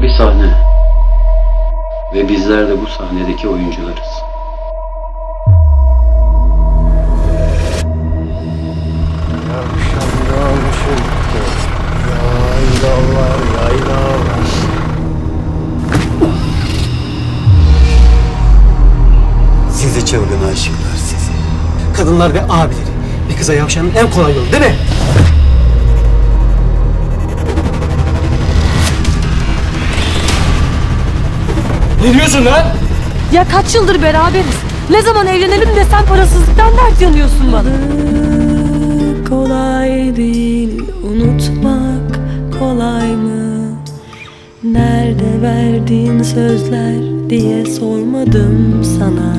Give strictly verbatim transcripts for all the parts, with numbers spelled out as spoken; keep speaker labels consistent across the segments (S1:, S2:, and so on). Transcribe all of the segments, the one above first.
S1: bir sahne. Ve bizler de bu sahnedeki oyuncularız.
S2: Akşamdan çıktı. Yaylalar, yaylalar. Sizi çılgın aşıklar sizi.
S3: Kadınlar ve abileri. Bir kıza yavşanın en kolay yolu değil mi? Ne diyorsun lan?
S4: Ya kaç yıldır beraberiz. Ne zaman evlenelim de sen parasızlıktan dert yanıyorsun bana.
S5: Kolay değil unutmak, kolay mı? Nerede verdiğin sözler diye sormadım sana.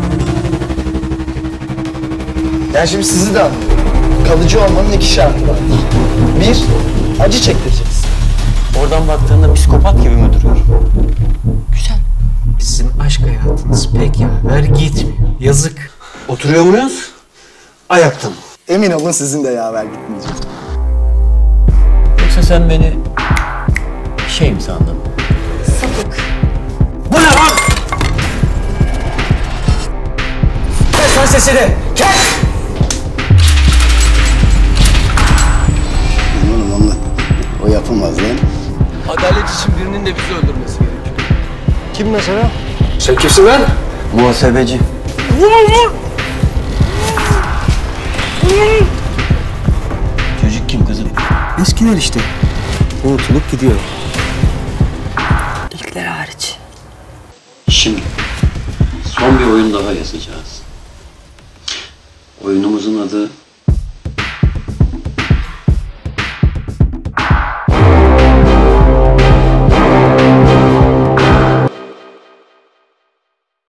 S2: Ben şimdi sizi de anlıyorum. Kalıcı olmanın iki şartı var. Bir, acı çektireceksin.
S6: Oradan baktığında psikopat gibi mi duruyor?
S3: Güzel. Sizin aşk hayatınız pek yaver gitmiyor. Yazık.
S6: Oturuyor muyuz? Ayakta mı?
S2: Emin olun sizin de yaver gitmeyecek.
S6: Yoksa sen beni şey mi sandın?
S4: Sapık.
S3: Bu ne lan? Kes lan sesini! Kes!
S2: Oğlum onunla o yapamaz lan.
S7: Adalet için birinin de bizi öldürmesi gerekiyor.
S2: Kim mesela?
S3: Sen kimsin lan?
S6: Muhasebeci. Çocuk kim kızım?
S2: Eskiler işte. Unutulup gidiyor.
S5: İlkler hariç.
S1: Şimdi son bir oyun daha yazacağız. Oyunumuzun adı